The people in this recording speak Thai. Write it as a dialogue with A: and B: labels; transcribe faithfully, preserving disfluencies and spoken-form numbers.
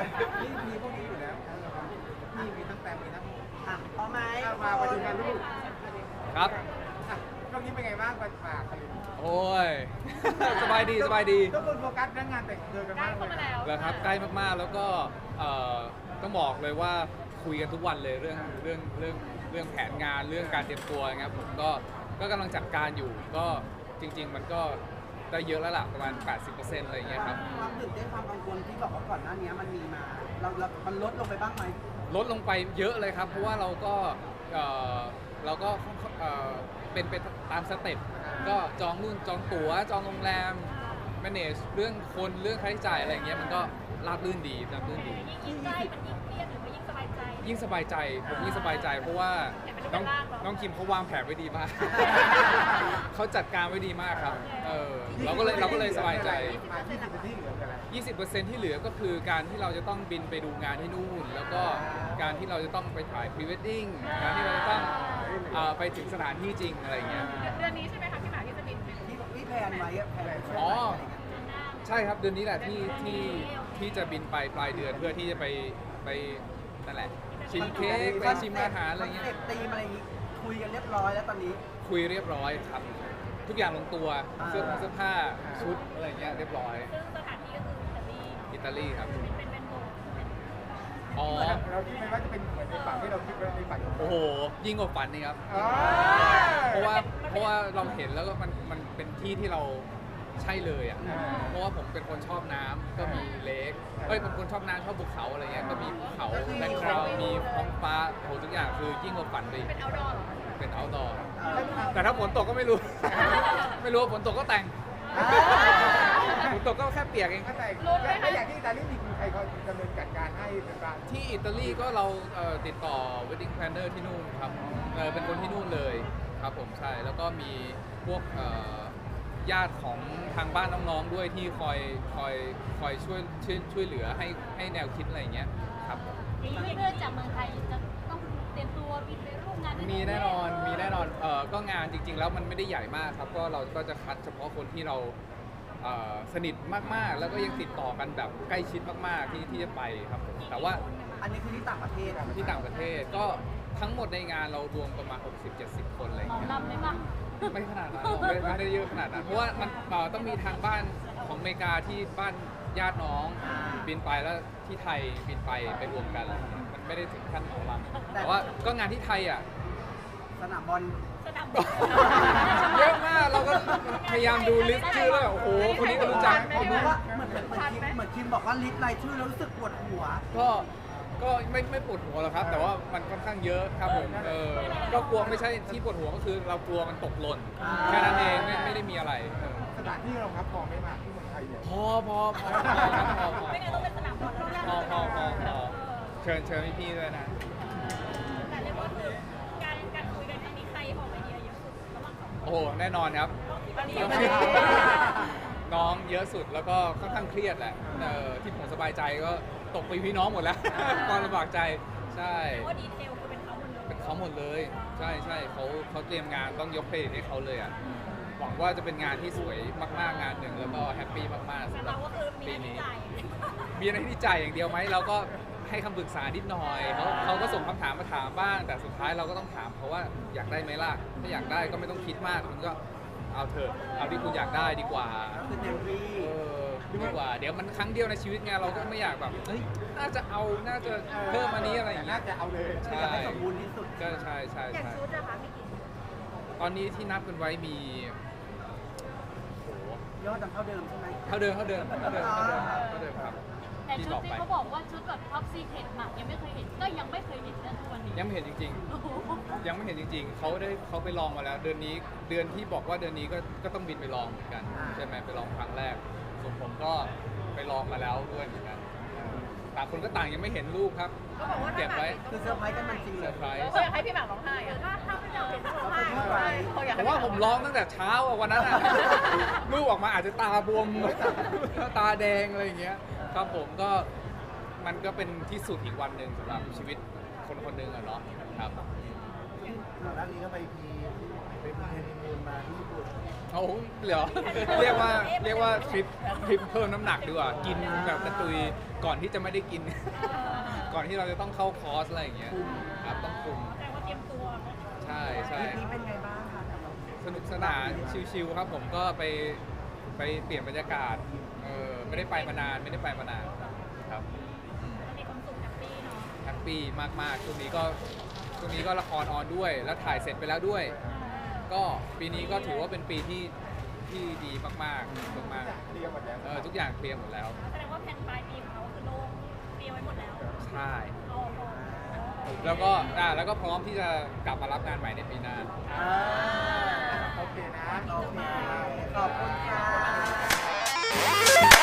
A: นี่มีพวกนี้อยู่แล้วนี่มีทั้งแต้มมีทั้ง
B: อ่ะพอไหม
A: มาไปดูกันลูก
C: ครับ
A: ตรงนี้เป็นไงบ้างมาฝากกัน
C: โอ้ย สบายดีสบายดี
A: ทุกคนโฟกัสเรื่องงานแต่งเจอกันมากเลย
C: แล้วครับใกล้มากๆแล้วก็เอ่อต้องบอกเลยว่าคุยกันทุกวันเลยเรื่องเรื่องเรื่องเรื่องแผนงานเรื่องการเตรียมตัวนะครับผมก็ก็กำลังจัดการอยู่ก็จริง ๆ มันก็ได้เยอะแล้วล่ะประมาณ แปดสิบเปอร์เซ็นต์ อะไรอย่างเงี้ยครับ
B: ความตื่นเต้นความกังวลที่บอกว่าก่อนหน้านี้มันมีมาเราเรามันลดลงไปบ้างไหม
C: ลดลงไปเยอะเลยครับ เพราะว่าเราก็เอ่อเราก็เอ่อเป็นไปตามสเต็ปก็จองนู่นจองตั๋วจองโรงแรม manage เรื่องคนเรื่องค่าใช้จ่ายอะไรอย่างเงี้ยมันก็ราบรื่นดีราบรื่นดี
D: ยิ่งใกล้มันยิ่งเครียดหรือว่ายิ่งสบายใจ
C: ยิ่งสบายใจผมยิ่งสบายใจเพราะว่าน้องน้องคิมเขาวางแผนไว้ดีมาก เขาจัดการไว้ดีมากครับเออเราก็เลยเราก็เลยสบายใจ
A: มาที่สิบที่เหลือกันแล้ว
C: ยี่สิบเปอร์เซ็นต์ ที่เหลือก็คือการที่เราจะต้องบินไปดูงานที่นู่น แล้วก็การที่เราจะต้องไปถ่ายพรีเวดดิ้งการที่เราจะต้องเอ่อไปถึงสถานที่จริงอะไรอย่างเงี้ย
D: เดือนนี้ใช่ไหมคะพี่หมากที่จะบินไป
B: ที่ที่แพลนไว้อะแพลนช่วง
C: อ๋อ
B: ไหนอะไรเงี้ย
C: ใช่ครับเดือนนี้แหละที่ที่ที่จะบินไปปลายเดือนเพื่อที่จะไปไปนั่นแหละชิมเค้กไปชิมอาหารอะไรเงี้ย
B: คอนเซ็ปต์ธีมอะไรอย่างงี้คุยกันเรียบร้อยแล้วตอนนี้
C: คุยเรียบร้อยครับทุกอย่างลงตัว
B: อ่า
C: เสื้อผ้าเสื้อผ้าชุดอะไรเงี้ยเรียบร้อย
D: ซึ่งสถานที่ก็คืออิตาลี
C: อิตาลีครับ
D: เป็นเป็นเป็นโบสถ์
C: อ๋อ
A: เราคิดไหมว่าจะเป็นเหมือนในฝันที่เราคิดไว้ในฝันของเรา
C: โอ้โหยิ่งกว่าฝันนี่ครับ
A: อ๋อ
C: เพราะว่าเพราะว่าเราเห็นแล้วก็มันมันเป็นที่ที่เราใช่เลยอ่ะ เพราะว่าผมเป็นคนชอบน้ำก็มีเลคเอ้ยเป็นคนชอบน้ำชอบภูเขาอะไรเงี้ยก็มีภูเขาแบ็คกราวด์มีท้องฟ้าโอ้โหทุกอย่างคือยิ่งกว่าฝันไปอีก
D: เป็นเอาดอร์เหรอ
C: เป็นเอาดอร์แต่ถ้าฝนตกก็ไม่รู้ ไม่รู้ว่าฝนตกก็แต่ง
B: อ่า
C: ฝนตกก็แค่เปียกเอง
A: ถ้าแต่งถ้าอยากที่อิตาลีมีใครเขาดำเนินจัดการให้เป็นการ
C: ที่อิตาลีก็เราเอ่อติดต่อ wedding planner ที่นู่นครับเออเป็นคนที่นู่นเลยครับผมใช่แล้วก็มีพวกเอ่อญาติของทางบ้านน้องๆด้วยที่คอยคอยคอยช่วยช่วยช่วยเหลือให้ให้แนวคิดอะไรอย่างเงี้ยครับผม
D: อย่างนี้เพื่อนจากเมืองไทยจะต้องเตรียมตัวบินไปร่วมงานด้วย
C: มีแน่นอนมีแน่นอนเออก็งานจริงๆแล้วมันไม่ได้ใหญ่มากครับก็เราก็จะคัดเฉพาะคนที่เราเอ่อสนิทมากๆ แล้วก็ยังติดต่อกันแบบใกล้ชิดมากๆที่ที่จะไปครับผมแต่ว่า
B: อันนี้คือที่ต่างประเทศอะ
C: ที่ต่างประเทศก็ทั้งหมดในงานเรารวมประมาณ หกสิบเจ็ดสิบ คนอะไรอย่าง
D: ของ
C: เงี้ย
D: ลำเลยปะ
C: ไม่ขนาดนั้นหรอกไม่ไม่ได้เยอะขนาดนั้นเพราะว่ามันเอ่อต้องมีทางบ้านของอเมริกาที่บ้านญาติน้องบินไปแล้วที่ไทยบินไปไปรวมกันอะไรอย่างเงี้ยมันไม่ได้ถึงขั้นของลำแต่ว่าก็งานที่ไทยอ่ะ
B: สนามบอล
D: สนาม
C: เยอะมากเราก็พยายามดูลิสต์ชื่อแล้วแบบโอ้โหคนนี้ก็รู้จัก
B: ผมรู้ว่าเหมือนเหมือนเหมือนคิมเหมือนคิมบอกว่าลิสต์รายชื่อแล้วรู้สึกปวดหัว
C: ก็ก็ไม่ไม่ปวดหัวหรอกครับ แต่ว่ามันค่อนข้างเยอะครับผมเออก็กลัวไม่ใช่ที่ปวดหัวก็คือเรากลัวมันตกหล่น
B: อ่า
C: แค่นั้นเองไม่ไม่ได้มีอะไรเออ
A: สถานที่เราครับพอไม่มากที่เมืองไทยเนี่ย
C: พอพอพอพอครับพอพอ
D: ไม่งั้นต้องเป็นสนามบอลแล้วนะ
C: พอพอพอพอเชิญเชิญพี่ๆด้วยนะ
D: แต่เรียกว่าคือการการคุยกันครั้งนี้ใครออกไอเดียเยอะสุดระหว่างสองคน
C: โอ้โหแน่นอนครับ
D: ตอนนี้
C: น้องเยอะสุดแล้วก็ค่อนข้างเครียดแหละเออที่ผมสบายใจก็ตกไปพี่น้องหมดแล้ว ความลำบากใจใช่
D: ว่าดีเทลคือเป็นเขาหมดเลย
C: เป็นเขาหมดเลย ใช่ใช่เขาเขาเตรียมงานต้องยกเครดิตให้เขาเลยอ่ะหวังว่าจะเป็นงานที่สวยมากๆงานหนึ่งแล้วก็แฮปปี้มากๆ
D: แต่
C: สำหรั
D: เรา
C: บ
D: ก็คือมี
C: ปี
D: หน้าที่
C: นี้
D: จ่าย
C: มีอะไรที่จ่ายอย่างเดียวไหมเราก็ให้คำปรึกษานิดหน่อยเขาเขาก็ส่งคำถามมาถามบ้าง แต่สุดท้ายเราก็ต้องถามเขาว่าอยากได้ไหมล่ะถ้าอยากได้ก็ไม่ต้องคิดมากคุณก็เอาเถอะเอาที่คุณอยากได้ดีกว่า
B: คือเต็มที่
C: เออดีกว่าเดี๋ยวมันครั้งเดียวในชีวิตไงเราก็ไม่อยากแบบเฮ้ยน่าจะเอาน่าจะเพิ่มอันนี้อะไรอย่างเงี้
A: น่าย จะเอาเลย
C: ใช่
B: อยากให้สมบูรณ์ที่สุด
C: ก็ใช่ใช่
D: อย่าง
C: ใช่
D: ชุดนะคะมีกี่ชุด
C: ตอนนี้ที่นับกันไว้มีโอ้โห
B: ยอดจำเท่าเดิมใช่ไหม
C: เท่าเดิมเท่าเดิมเท่าเดิมเท่าเดิมเท่าเดิมครับ
D: แต่
C: ที่
D: ชุ
C: บ
D: ด
C: อก
D: ที่
C: ไป
D: เขาบอกว่าชุดแบบท็อปซีเคร็ตหมากยังไม่เคยเห็นก็ยังไม่เคยเห็นนะทุกวันนี้
C: ยังไม่เห็นจริง
D: โอ้โห
C: ๆ ยังไม่เห็นจริง ๆเขาได้เขาไปลองมาแล้ว เดือนนี้เดือนที่บอกว่าเดือนนี้ก็ก็ต้องบินไปลองเหมือนกันใช่ไหมไปลองครั้งแรกส่วนผมก็ไปลองมาแล้วด้วยเหมือนกันต่างคนก็ต่างยังไม่เห็นรูปครับ
D: ก็บอกว่า
C: เก็บไว้
B: คือเซอร์ไพรส์กันมันจริง
C: เซ
B: เล
C: อย ร์ไพรส์
D: เขาอยากให้พี่หมากร้องไห้อะถ้าถ้าไม่อยากเห็นร้องไห้เขาอยาก
C: ผ
D: ให้
C: มว่าผมร้องตั้งแต่เช้าอะวันนั้นอะ รูปออกมาอาจจะตาบวม ตาแดงอะไรอย่างเงี้ยครับผมก็มันก็เป็นที่สุดอีกวันหนึ่งสำหรับชีวิตคนคนหนึ่งอะเนาะครับ
B: โอเคก่อนหน้านี้ก็ไปพีไปพีเฮนิมูนมาที่ญี่ปุ่น
C: เอาเหรอ เรียกว่าเรียกว่าทริปทริปเพิ่มน้ำหนักดีกว่ากินแบบกระตุยก่อนที่จะไม่ได้กิน ก่อนที่เราจะต้องเข้าคอร์สอะไรอย่างเงี้ยครับต้องคุม
D: แต่ว่าเตรียมตัว
C: ใช่ใช่
B: ทริปนี้เป็นไงบ้างคะกับเรา
C: สนุกสนานชิลๆครับผมก็ไปไปเปลี่ยนบรรยากาศเออไม่ได้ไปมานานไม่ได้ไปมานานครับ
D: มีความสุขแฮปปี้เนาะ
C: แฮปปี้มากๆช่วงนี้ก็ช่วงนี้ก็ละครออนด้วย แล้วถ่ายเสร็จไปแล้วด้วย ก็ปีนี้ก็ถือว่าเป็นปีที่ที่ดีมากๆมาก
A: เคลียร์หมดแล้ว
C: ๆเออทุกอย่างเคลียร์หมดแล้ว
D: แสดงว่าแผนปลายปีของเขาคือโล่งเตรียมไว้หมดแล้ว
C: ใช่
D: โอ้โห
C: แล้วก็อ่าแล้วก็พร้อมที่จะกลับมารับงานใหม่ในปีหน้า
B: อ่า
A: โอเคนะ
B: โอเคขอบคุณค่ะ